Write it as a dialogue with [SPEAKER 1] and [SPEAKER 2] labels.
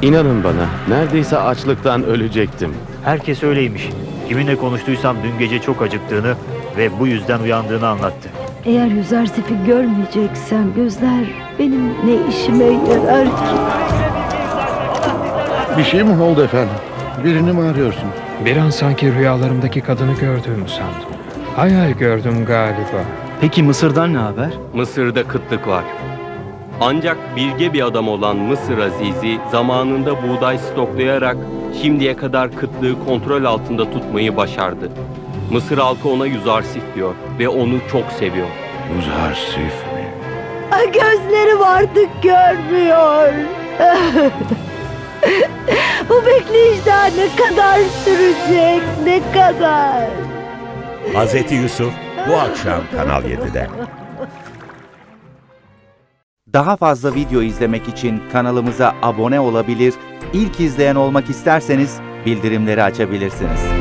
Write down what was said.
[SPEAKER 1] İnanın bana, neredeyse açlıktan ölecektim.
[SPEAKER 2] Herkes öyleymiş. Kiminle konuştuysam dün gece çok acıktığını ve bu yüzden uyandığını anlattı.
[SPEAKER 3] Eğer Yüzersif'i görmeyeceksem gözler benim ne işime yarar ki?
[SPEAKER 4] Bir şey mi oldu efendim? Birini mi arıyorsun?
[SPEAKER 5] Bir an sanki rüyalarımdaki kadını gördüğümü sandım. Hayal gördüm galiba.
[SPEAKER 6] Peki Mısır'dan ne haber?
[SPEAKER 7] Mısır'da kıtlık var. Ancak bilge bir adam olan Mısır Azizi zamanında buğday stoklayarak şimdiye kadar kıtlığı kontrol altında tutmayı başardı. Mısır halkı ona Yüzarsif diyor ve onu çok seviyor.
[SPEAKER 4] Yüzarsif mi?
[SPEAKER 3] Ay, gözlerim artık görmüyor. Bu bekleyiş daha ne kadar sürecek, ne kadar?
[SPEAKER 8] Hazreti Yusuf bu akşam Kanal 7'de.
[SPEAKER 9] Daha fazla video izlemek için kanalımıza abone olabilir, ilk izleyen olmak isterseniz bildirimleri açabilirsiniz.